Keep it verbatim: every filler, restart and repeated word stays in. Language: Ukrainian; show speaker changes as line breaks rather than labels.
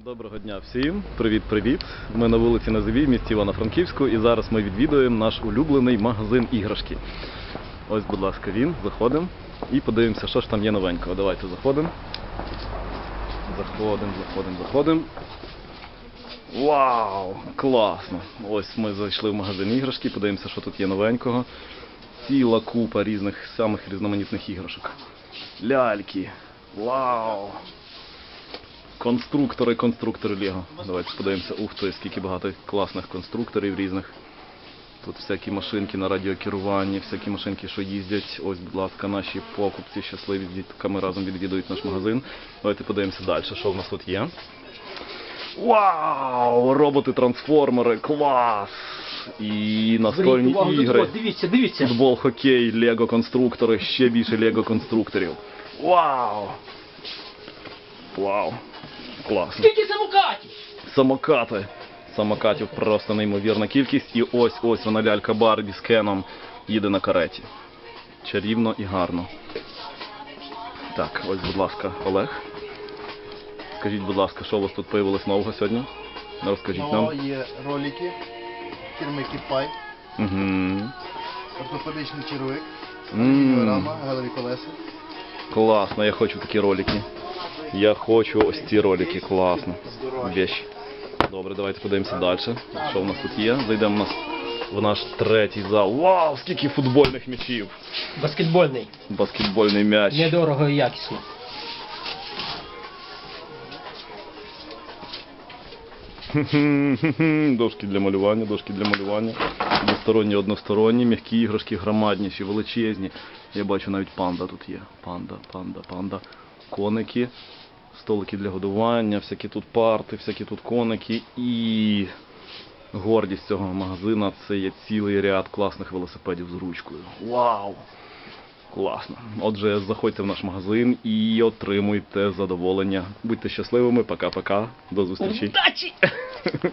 Доброго дня всім! Привіт-привіт! Ми на вулиці Назовій, в місті Івано-Франківську, і зараз ми відвідуємо наш улюблений магазин іграшки. Ось, будь ласка, він. Заходимо і подивимося, що ж там є новенького. Давайте заходимо. Заходимо, заходимо, заходимо. Вау! Класно! Ось ми зайшли в магазин іграшки, подивимося, що тут є новенького. Ціла купа різних, самих різноманітних іграшок. Ляльки! Вау! Конструктори, конструктори Лего. Давайте подивимося. Ух ти, скільки багато класних конструкторів різних. Тут всякі машинки на радіокеруванні, всякі машинки, що їздять. Ось, будь ласка, наші покупці щасливі з дітками разом відвідують наш магазин. Давайте подивимося далі, що в нас тут є. Вау! Роботи-трансформери, клас! І настольні ігри.
Дивіться, дивіться.
Футбол, хокей, лего-конструктори, ще більше лего-конструкторів. Вау! Вау! Класно.
Скільки самокатів?
Самокати. Самокатів просто неймовірна кількість. І ось ось вона лялька Барбі з Кеном їде на кареті. Чарівно і гарно. Так, ось, будь ласка, Олег. Скажіть, будь ласка, що у вас тут появилось нового сьогодні? Розкажіть нам.
О, є ролики фірми Кіпай,
Угу.
ортопедичний червик,
Ммм.
георама, галеві колеса.
Класно, я хочу такі ролики. Я хочу ось ці ролики, класно. Вещь. Добре, давайте подивимося далі. Що в нас тут є? Зайдемо в нас в наш третій зал. Вау, скільки футбольних м'ячів!
Баскетбольний.
Баскетбольний м'яч.
Недорого і якісно.
Дошки для малювання, дошки для малювання. Двосторонні, односторонні, м'які іграшки, громадніші, величезні. Я бачу, навіть панда тут є. Панда, панда, панда. Коники, столики для годування, всякі тут парти, всякі тут коники. І гордість цього магазина – це є цілий ряд класних велосипедів з ручкою. Вау! Класно. Отже, заходьте в наш магазин і отримуйте задоволення. Будьте щасливими. Пока-пока. До зустрічі.
Удачі!